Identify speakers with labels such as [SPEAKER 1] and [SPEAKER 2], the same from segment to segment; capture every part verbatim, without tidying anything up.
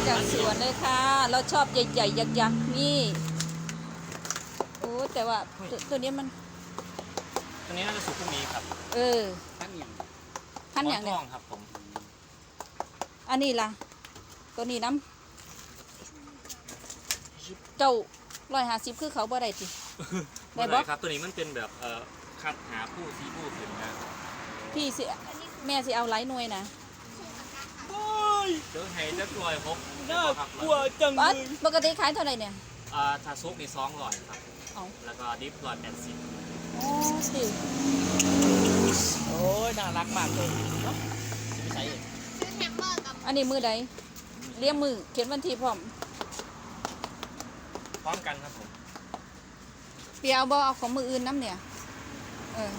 [SPEAKER 1] จากสวนเลยค่ะเราชอบใหญ่ๆยักษ์ๆนี่โอ้แต่ว่าตัวตัวนี้มัน
[SPEAKER 2] ตัวนี้น่าจะสุกพรุ่งนี้ครับ
[SPEAKER 1] เออ
[SPEAKER 3] ทั้งอย่าง
[SPEAKER 1] พันอย่าง
[SPEAKER 2] ท
[SPEAKER 1] เนี่ย
[SPEAKER 2] องครับผม
[SPEAKER 1] อันนี้ล่ะตัวนี้น้ำเจ้าร้อยห้าสิบคือเขาบ่ได้ติได้
[SPEAKER 2] ได้
[SPEAKER 1] บ่
[SPEAKER 2] ครับตัวนี้มันเป็นแบบเอ่อคัดหาผู้ซีผู้ขึ้นนะ
[SPEAKER 1] พี่สิแม่สิเอาหลายหน่วยนะ
[SPEAKER 2] เดี๋ยวให้จะกลอยพก
[SPEAKER 3] น่ากลัวจัง
[SPEAKER 1] อ๋
[SPEAKER 3] เล
[SPEAKER 1] อย ปกติขายเท่าไหร่เนี่ย
[SPEAKER 2] อ่าทาซุกนี่สองร้อยครับ
[SPEAKER 1] เอา
[SPEAKER 2] แล้วก็ดิฟร้อยแปดสิบ
[SPEAKER 1] โอ้สิ
[SPEAKER 3] โอ้ยน่ารักมากเลยเนาะจะไปใช้
[SPEAKER 4] ซื้อแฮมเบอร์กับ
[SPEAKER 1] อันนี้มือใดเลี้ยงมือเขียนวันที่พร้อม
[SPEAKER 2] พร้อมกันครับผม
[SPEAKER 1] เปียเอาบ่เอาของมืออื่นน้ำเนี่ยเออ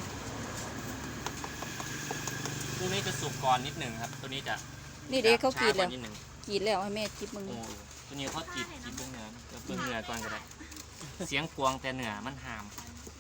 [SPEAKER 2] ตัวนี้จะสุกก่อนนิดหนึ่งครับ ตัวนี้จะ
[SPEAKER 1] นี่เด็กเขากรีด
[SPEAKER 2] ช้
[SPEAKER 1] แล้ว
[SPEAKER 2] นิดหนึ่ง
[SPEAKER 1] กรีดแล้วให้แม่จิบมึง
[SPEAKER 2] โอ้ตัวนี้เขาจีบจีบเบื้องเนื้อเดี๋ยวเบื้องเนื้อก่อนก็ได้ เสียงกวางแต่เนื้อมันหาม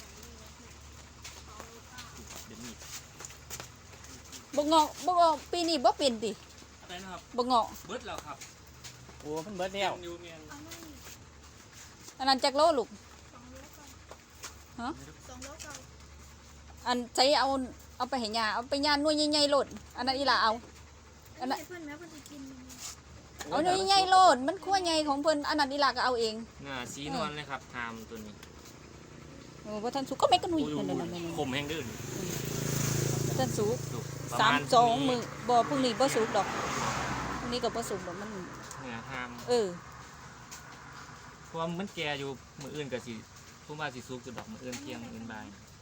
[SPEAKER 2] เดี๋ยวนี้
[SPEAKER 1] บ่งอกบ่งอกปีนี้บ่เป็นติ
[SPEAKER 2] อะไรนะครับ
[SPEAKER 1] บ่งอก
[SPEAKER 2] เบิดแล้วครับ
[SPEAKER 3] โอ้เพิ่นเบิดแล้ว
[SPEAKER 2] ยูเมียน
[SPEAKER 1] อันนั้นจักโลลูก ฮะ
[SPEAKER 4] สองโลเก่า
[SPEAKER 1] อันใช้เอาเอาไปให้ย่าเอาไปย่าหน่วยใหญ่ๆโลดอันนั้นอีหล่าเอาอันนั้น
[SPEAKER 4] ให้เพื่อนแม่เพื่อนจะกิน
[SPEAKER 1] เอาหน่วยใหญ่ๆโลดมันขั้วใหญ่ของเพิ่นอันนั้นอีหล่าก็เอาเอง
[SPEAKER 2] เนื้อสีนวลเลยครับหามตัวนี้
[SPEAKER 1] โอ้บ่ทันสุกก็ไม่กันหนุ่ย
[SPEAKER 2] โอ้ย
[SPEAKER 1] นั่นน่ะ
[SPEAKER 2] ขมแห้งดื้อ
[SPEAKER 1] บ่ทันสุก
[SPEAKER 2] สุกประ
[SPEAKER 1] สาม
[SPEAKER 2] ณ
[SPEAKER 1] สองมื้อบ่พรุ่งนี้บ่สุกดอกพรุ่งนี้ก็บ่สุกดอกมัน
[SPEAKER 2] เนื้อหาม
[SPEAKER 1] เออ
[SPEAKER 2] เพราะว่ามันแก่อยู่มืออื่นกับสิผู้ว่าสิสุกจุดดอกมืออื่นเที่ยงมืออื่นบ่าย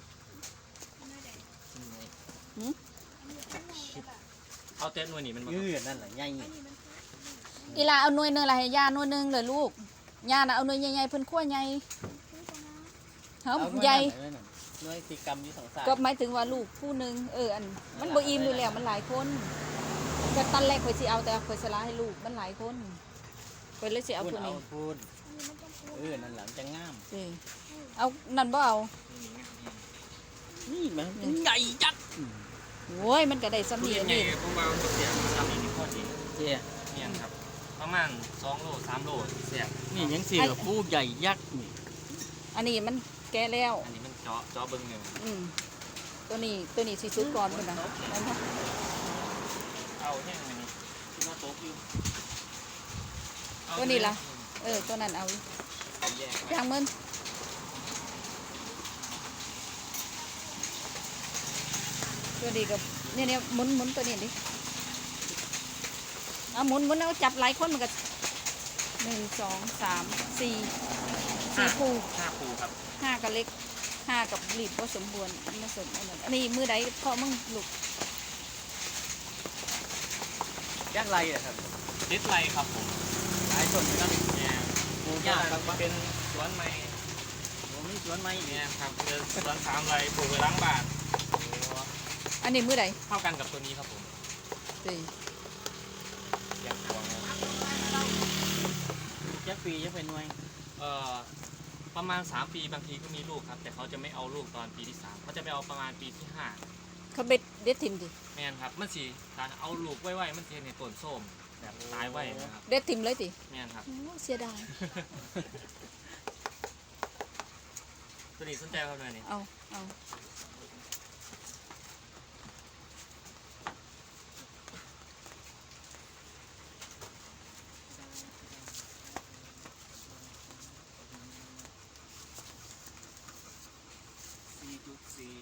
[SPEAKER 1] หืม
[SPEAKER 2] เอาเต้นหน่วยนี่มันมา
[SPEAKER 3] ยืดนั่นแหละใหญ่
[SPEAKER 1] อีหล่าเอาหน่วยหนึงล่ะให้ย่าหน่วยหนึงเลยลูกย่าน่ะเอาหน่วยใหญ่ๆเพิ่นขั้วใหญ่เฮาใหญ่
[SPEAKER 3] หน่วยสีกรรมอยู่สองสาย
[SPEAKER 1] ก็หมายถึงว่าลูกผู้หนึงเอออันมันบ่อิ่มอยู่แล้วมันหลายคนแต่ตอนแรกข่อยสิเอาแต่ข่อยสละให้ลูกมันหลายคนข่อยเลยสิเอา
[SPEAKER 3] พูด
[SPEAKER 1] ผู้
[SPEAKER 3] เอา
[SPEAKER 1] นี้
[SPEAKER 3] พูดเออนั่นแหละจะงาม
[SPEAKER 1] เออเอานั่นบ่เอา
[SPEAKER 3] นี่มันเป็นใหญ่ยักษ์
[SPEAKER 1] โว้ยมันก็ได้สำ
[SPEAKER 2] ทุ
[SPEAKER 1] เนี
[SPEAKER 2] เรี
[SPEAKER 1] ย
[SPEAKER 2] ย
[SPEAKER 1] ง
[SPEAKER 2] นใหญ่
[SPEAKER 1] นี่
[SPEAKER 2] ผู้ว่าเสียทำนี่พอดี
[SPEAKER 3] เจ๊
[SPEAKER 2] เนี่ยครับ ประมาณสองโลสามโลเสีย
[SPEAKER 3] นี่ยังสีกับผู้ใหญ่ยักษ์นี่
[SPEAKER 1] อันนี้มันแก่แล้ว
[SPEAKER 2] อันนี้มันเจาะเจาะเบิ้งหนึ่ง
[SPEAKER 1] อืมตัวนี้ตัวนี้สิสุดก่อนพุ่นน่ะนั่นเนาะ
[SPEAKER 2] เอาแห้งอันนี้ที่ว่าโต๊ะอยู่
[SPEAKER 1] ตัวนี้ล่ะเออตัวนั้นเอา
[SPEAKER 2] เอาแยกไว้
[SPEAKER 1] ย่างมันตัวนี้กับเนี่ยเนี่ยหมุนหมุนตัวนี้ดิเอาหมุนหมุนเอาจับหลายคนมันก็หนึ่งสองสามสี่สี่คู่
[SPEAKER 2] ห้าปูครับ
[SPEAKER 1] ห้ากับเล็กห้ากับรีบผสมบูรณ์ผสมอันนั้นอันนี้มือใดพอมึงลูก
[SPEAKER 3] ยักษ์ไรอะครับ
[SPEAKER 2] ติดไรครับผม
[SPEAKER 3] หลายคนนะครับ
[SPEAKER 2] เนี่ย
[SPEAKER 3] ปลูก
[SPEAKER 2] ยาย
[SPEAKER 3] าก
[SPEAKER 2] ก
[SPEAKER 3] ครับว่า
[SPEAKER 2] เป็นสวนไม้
[SPEAKER 3] ผมมีสวนไม้อีก
[SPEAKER 2] เนี่ยครับเป็นสวนสามไรปลูกไว้ล้างบ้าน
[SPEAKER 1] อันนี้มือใด
[SPEAKER 2] เท่ากันกับตัวนี้ครับผม
[SPEAKER 1] สี่
[SPEAKER 2] อยากพวงนะ
[SPEAKER 3] ยักษ์ปียักษ์เป็นหน่วย
[SPEAKER 2] เอ่อประมาณสามปีบางทีก็มีลูกครับ แต่เขาจะไม่เอาลูกตอนปีที่สามเขาจะไปเอาประมาณปีที่ห้า
[SPEAKER 1] เขาเบ็ดเด็ดทิมดิ
[SPEAKER 2] แม่นครับมันสีถ้าเอาลูกไว้ๆมันจะในต้นส้มแบบตายไว้นะครับ
[SPEAKER 1] เด็ดทิมเลยดิ
[SPEAKER 2] แม่นครับ
[SPEAKER 1] โอ้เสียดาย
[SPEAKER 2] ตัวนี้สนใจเขาหน่อยนี่
[SPEAKER 1] เอาเอา
[SPEAKER 2] สี่จุดสี่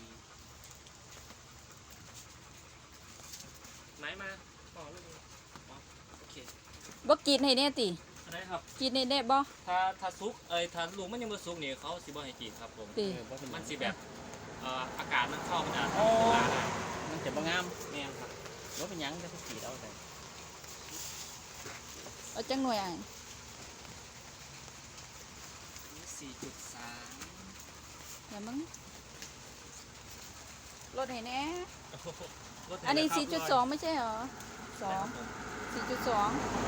[SPEAKER 2] ไหนมาต่อเลยอ๋อโอเค
[SPEAKER 1] บ่กรีดให้แน่ติ
[SPEAKER 2] อะไรครับ
[SPEAKER 1] กรีดให้แน่บ่
[SPEAKER 2] ถ้าถ้าซุกเอ้ยถ้าลูกมันยังไม่ซุกนี่เขาสิบ่ให้กินครับผม
[SPEAKER 1] ติ
[SPEAKER 3] เออว่าเป็น
[SPEAKER 2] มันสิแบบเอ่ออากาศมันเข้ามันจะ
[SPEAKER 3] โอ้
[SPEAKER 2] ทำลายได้
[SPEAKER 3] มันจะบ่งาม
[SPEAKER 2] แม่นครับ
[SPEAKER 3] ว่าเป็นหยังจะทุกขีดเอาแต่
[SPEAKER 1] เอาจังหน่วยอ่ะ
[SPEAKER 2] สี่จุดสาม
[SPEAKER 1] เดี๋ยวมึงลดให้แน่อันนี้สี่จุดสองไม่ใช่เหรอสองสี่จุดสอง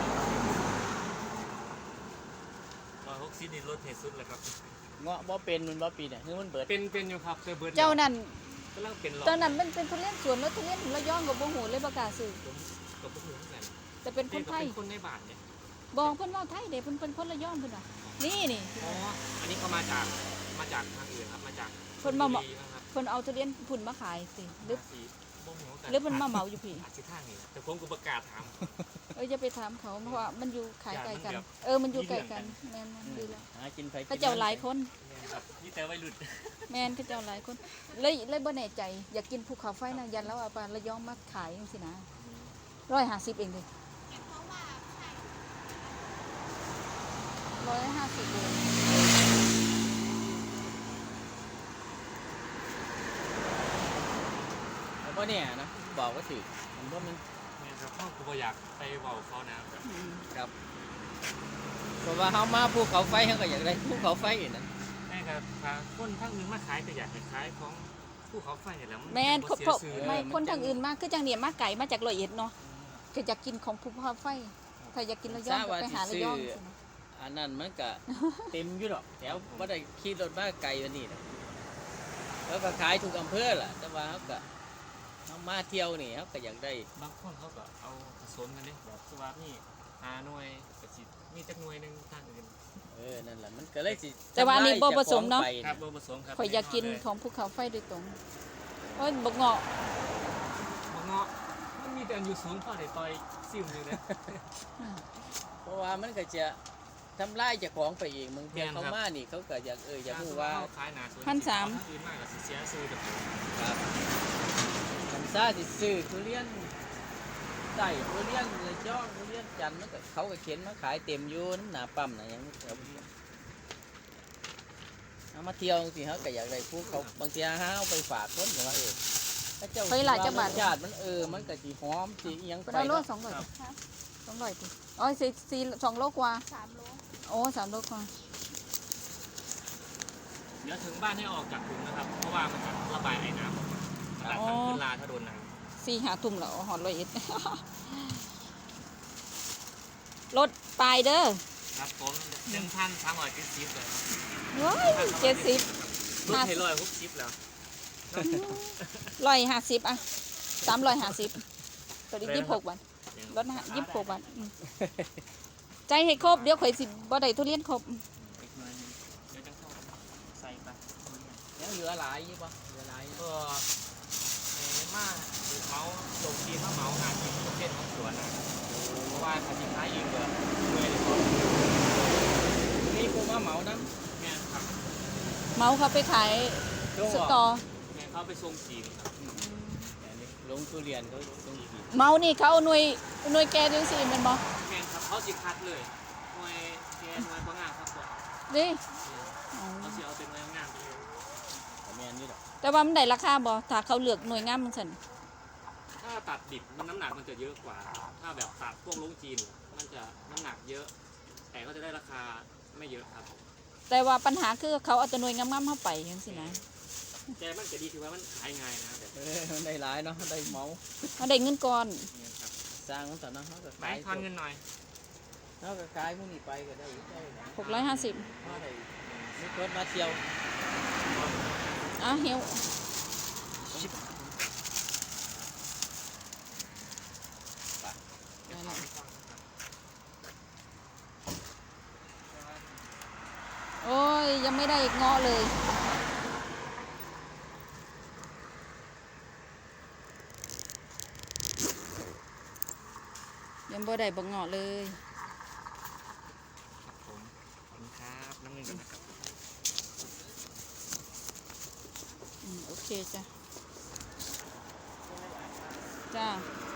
[SPEAKER 2] ร้อยหกสิบนี่ลดเหตุสุดเลยครับ
[SPEAKER 3] เงาะบ่เป็นมันบ่ปีเนี่ยคือมันเบิด
[SPEAKER 2] เป็นเป็นอยู่ครับแต่เบิร์ด
[SPEAKER 1] เจ้านั่น
[SPEAKER 2] กำลังเป็นหลอ
[SPEAKER 1] ตอนนั้นมันเป็นทุเรียนสวนแล้วทุเรียนระยองกับบ่หูเลยบ่กล้าซื้อ
[SPEAKER 2] ผมกับพวกหนูเหมือนกัน
[SPEAKER 1] แต่เป็นค
[SPEAKER 2] เด็ก
[SPEAKER 1] น
[SPEAKER 2] ก็
[SPEAKER 1] ไทย
[SPEAKER 2] เป็นคนในบ้านเนี่ย
[SPEAKER 1] บอกเพิ่นเว้าไทยเด้เพิ่นเป็นคนระยองเพิ่นว่ะนี่นี่
[SPEAKER 2] อ๋ออันนี้เขามาจากมาจากทางอื่นครับมาจาก
[SPEAKER 1] เพิ่นมา
[SPEAKER 2] ชลบุรีนะครับ
[SPEAKER 1] เพิ่นเอาทุเรียนพุ่นมาขายสิหรือ
[SPEAKER 2] ภาษีบ่ฮู้กั
[SPEAKER 1] หรือเพิ่นมาเหมาอยู่พี่
[SPEAKER 2] อาจสิทางนี่แหละแต่ผมก็ประกล้าศถาม
[SPEAKER 1] เอออย่าไปถามเขาเพราะว่ามันอยู่ขายไกลกัน
[SPEAKER 2] อย่ามันแบบ
[SPEAKER 1] เออมันอยู่ไกลกันแม่นมันดีแล้ว
[SPEAKER 3] หากินไป
[SPEAKER 1] เขาเจ้าหลายคน
[SPEAKER 2] ครับนี่แต่วัยรุ่น
[SPEAKER 1] แม่นเขาเจ้าหลายคนเลยเลยบ่แน่ใจอยากกินภูเขาไฟนะยันแล้วเอาไประยองมาขายจังซี่นะร้อยห้าสิบเองดิ
[SPEAKER 4] เห็นเพราะว่าไข่
[SPEAKER 1] ร้อยห้าสิบเอง
[SPEAKER 3] แล้วก็เนี่ยนะบอกว่าสิมันว่ามัน
[SPEAKER 2] เนี่ยครับพ่อกูบ่อยากไปเว้าเขานะครับ
[SPEAKER 1] อืม
[SPEAKER 3] ครับเพราะว่าเขามาภูเขาไฟเขาก็อยากได้ภูเขาไฟนะ
[SPEAKER 2] แม่ครับถ้าคนทางอื่นมาขายก็อยากให้ขายของภูเขาไฟนี่แหละ
[SPEAKER 1] แม่น
[SPEAKER 2] บ่
[SPEAKER 1] เขา
[SPEAKER 2] เสีย
[SPEAKER 1] เพราะ
[SPEAKER 2] ชื่อ
[SPEAKER 1] ไม่
[SPEAKER 3] เออมัน
[SPEAKER 1] คนทาง
[SPEAKER 3] จัง
[SPEAKER 1] อื่นมาคือจังเนี่ยมาไก่มาจากร้อยเอ็ดเนาะคืออยากกินของภูเขาไฟถ้าอยากกินระยองก็ไปหาระยองสินะ
[SPEAKER 3] อันนั้นมันก็เต็มอยู่หรอกแถวว่าได้ขี่รถมาไกลวันนี้นะแล้วก็ขายทุกอำเภอแหละแต่ว่าเขาก็เขามาเที่ยวนี่เขาก็อยากได้
[SPEAKER 2] บางคนเขาก็เอาผสมกันเด้แบบสว่านี่หาหน่วยก็สิมีจักหน่วยหนึงทางอื่น
[SPEAKER 3] เออนั่นแหละมันก็เลยสิ
[SPEAKER 1] แต่ว่าอันนี้บ่ผสมเนาะ
[SPEAKER 3] ทำลย
[SPEAKER 2] ครับ
[SPEAKER 3] จ้ของไป
[SPEAKER 2] บ่ผสมครับ
[SPEAKER 1] ข่อยอยากกินของภูเขาไฟโดยตรงโอ้ยบกเงาะ
[SPEAKER 2] บ่เงาะมันมีแต่อันอยู่สูงพอได้ต่อยซิ่วอยู่เด้
[SPEAKER 3] เพราะว่ามันก็จะทำลายเจ้าของไปเองบางที
[SPEAKER 2] แม่นครับ
[SPEAKER 3] เขามานี่เขาก็อยากเอออยากรู้ว่า
[SPEAKER 2] เขขายหน้าสวน
[SPEAKER 1] พันสาม
[SPEAKER 2] ทงอื่นมากก็สิเสียซื้อเด้อ
[SPEAKER 3] ครับคันซ่าสิซื้อทุเรียนได้ทุเรียนเลยจ้องทุเรียนจันทร์มันก็เขาก็เข็นมาขายเต็มอยู่น้ำหนาปั๊มนะหยังเอาเอามาเที่ยวสิเขาก็อยากได้พวกเขาบางทีหาเอาไปฝากคนแต่ว่าเออถ้าเจ้า
[SPEAKER 1] ไปหลายจังหวัด
[SPEAKER 3] รสชาติมันเออมันก็สิหอมสิอิหยัง
[SPEAKER 1] ก็
[SPEAKER 3] ไป
[SPEAKER 1] ได้โล
[SPEAKER 3] เนาะ
[SPEAKER 1] สองร้อยสองร้อยดิอ๋อสี่สี่สองโลกว่า
[SPEAKER 4] สามโล
[SPEAKER 1] โอ้สามโลกว่า
[SPEAKER 2] เดี๋ยวถึงบ้านให้ออกจากถุงนะครับ เพราะว่ามันจะระบายไอ้น้ำออกมาระบายทางขึ้นลาถ้าโดนน้ำ
[SPEAKER 1] สี่หาทุ่มแล้วหอดร้อยเอ็ด รถปลายเด้อ
[SPEAKER 2] ครับผมหนึ่งพันสามร้อยเจ็ดสิบเลยครับ
[SPEAKER 1] ร้อยเจ็ดสิบ
[SPEAKER 2] รถเทลอยหกสิบแล้ว
[SPEAKER 1] ร้อยห้าสิบอ่ะสามร้อยห้าสิบตัวนี้ยี่สิบหกบาทรถนะยี่สิบหกบาทอืมใจให้ครบเดี๋ยวข่อยสิบ่ได้ทุเรียนครบ
[SPEAKER 2] อีกหน่อยหนึงเดี๋ยวจะเข้าใส่ไป
[SPEAKER 3] ยังเหลือหลายอยู่ปะเหลือหลายอยู่
[SPEAKER 2] ก็เอ่อมาหรือเมาลงทีมาเมาหาที่ประเภทของสวนนะเพราะว่าถ้าสินค้ายืมเกินเมื่อยเลยก่อน
[SPEAKER 3] นี่ผู้มาเหมาน้
[SPEAKER 2] แม่นครับ
[SPEAKER 1] เมาเขาไปขาย
[SPEAKER 3] ำช่วง
[SPEAKER 1] ส
[SPEAKER 3] ออก
[SPEAKER 1] ตอ
[SPEAKER 2] แม่นเขาไปส่งจีนครับ
[SPEAKER 3] อันนี้ลงทุเรียนเขาต้องกิน
[SPEAKER 1] เมานี่เขาเอาหน่วยหน่วยแกจังสิแมันบ่
[SPEAKER 2] แม่นครับเขาสิคัดเลยหน่วยแกหน่วยบางงามครับตัวเอา
[SPEAKER 1] ดิ
[SPEAKER 2] เขาสิเอาเป็นหน่วยงามไปเลย
[SPEAKER 3] แต่แม่นนี่หรอก
[SPEAKER 1] แต่ว่ามันได้ราคาบ่ถ้าเขาเลือกหน่วยงามมันสั่น
[SPEAKER 2] ถ้าตัดดิบมันน้ำหนักมันจะเยอะกว่า ถ้าแบบตัดพวกลงจีน มันจะน้ำหนักเยอะ แต่ก็จะได้ราคาไม่เยอะครับ
[SPEAKER 1] แต่ว่าปัญหาคือเขาเอาแต่หน่วยงามๆเข้าไปจังซี่นะ
[SPEAKER 2] แต่มันจะดีคือว่ามันขายง่ายนะแบบ
[SPEAKER 3] เออมันได้หลายเนาะได้เหมา
[SPEAKER 1] เขาได้เงินก่อน
[SPEAKER 2] นี้ครับ
[SPEAKER 3] สร้างมันต่อเนาะเขาก็
[SPEAKER 2] ไป
[SPEAKER 3] ขาย
[SPEAKER 2] ทอนเงินหน่อย
[SPEAKER 3] เขาก็ขายพวกนี้ไปก็ได้ได้นะ
[SPEAKER 1] หกร้อยห้าสิบ
[SPEAKER 3] เขาได้มีคนมาเที่ยว
[SPEAKER 1] อ่ะเหี่ยว โอ้ย ยังไม่ได้เงาะเลย ยังบ่ได้บ่เงาะเลย
[SPEAKER 2] ครับผม ขอบคุณครับ น้ำเงินกันนะครับ
[SPEAKER 1] อืมโอเคจ้ะ จ้า